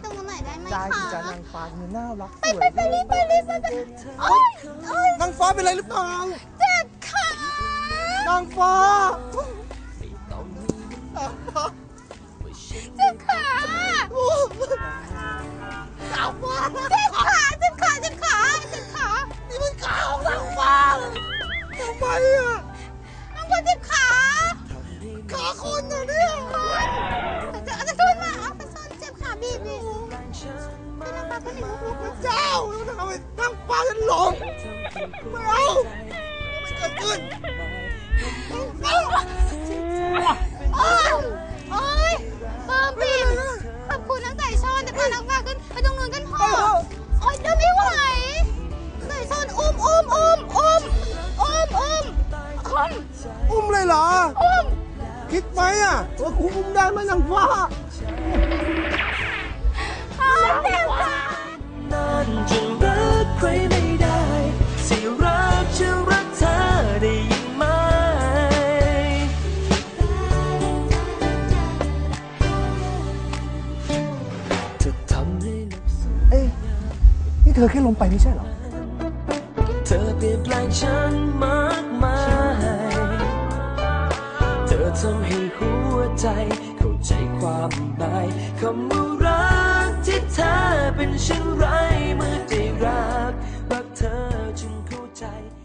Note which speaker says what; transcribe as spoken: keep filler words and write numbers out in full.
Speaker 1: ตรงนู้นหน่อยได้ไหมคะ
Speaker 2: ได้สิจ้านางฟ้าเธอน่ารักส
Speaker 1: ไป
Speaker 2: วย
Speaker 1: ไปไปรีบไปรีบไปไปโอ๊ยโอ๊ย
Speaker 2: นางฟ้าเป็นไรหรือเปล่า
Speaker 1: เจ็บขาน
Speaker 2: างฟ้า
Speaker 1: เจ็บขาเจ็บขาเจ็บขาเจ็บขาเจ็บขาเจ็บขานี่มันขาของนางฟ้า
Speaker 2: ทำไมอ่ะ
Speaker 1: นางฟ้าเจ็บขา
Speaker 2: ขาคนนะเนี่ย
Speaker 1: จะจะช่วยมาเอาไปซ่อนเจ็บขาบีบบีเป็นนางฟ้าคนหนึ่งลูก
Speaker 2: พระเจ้าแล้วทำไมนางฟ้าฉันหลงไม่เอาไม่เกิดขึ้น
Speaker 1: โอ๊ยโอ๊ยเพิ่มบีบขอบคุณนักไก่ชอนแต่พานางฟ้าขึ้นไปตรงนู้นกันเถอะโอ๊ยเดินไม่ไหวไก่ชอนอุ้มอุ้มอุ้มอุ้มอุ้มอุ้มอุ้ม
Speaker 2: อุ้มเลยเหรอ
Speaker 1: อุ้ม
Speaker 2: คิดไหมอ่ะว่าคุณอุ้มได้ไหมนางฟ้า
Speaker 1: อ้าวเจ็บขา
Speaker 3: นั้นจึงรักใครไม่ได้สิรักจะรักเธอได้ยินไหมเธอทำให้นับสูญ
Speaker 2: เอ้ยนี่เธอแค่ลงไปไม่ใช่เหรอ
Speaker 3: เธอเปลี่ยนแปลงฉันมากมายเธอทำให้หัวใจเข้าใจความหมายคำว่ารักที่เธอเป็นเช่นไรเมื่อได้รักรักเธอจึงเข้าใจ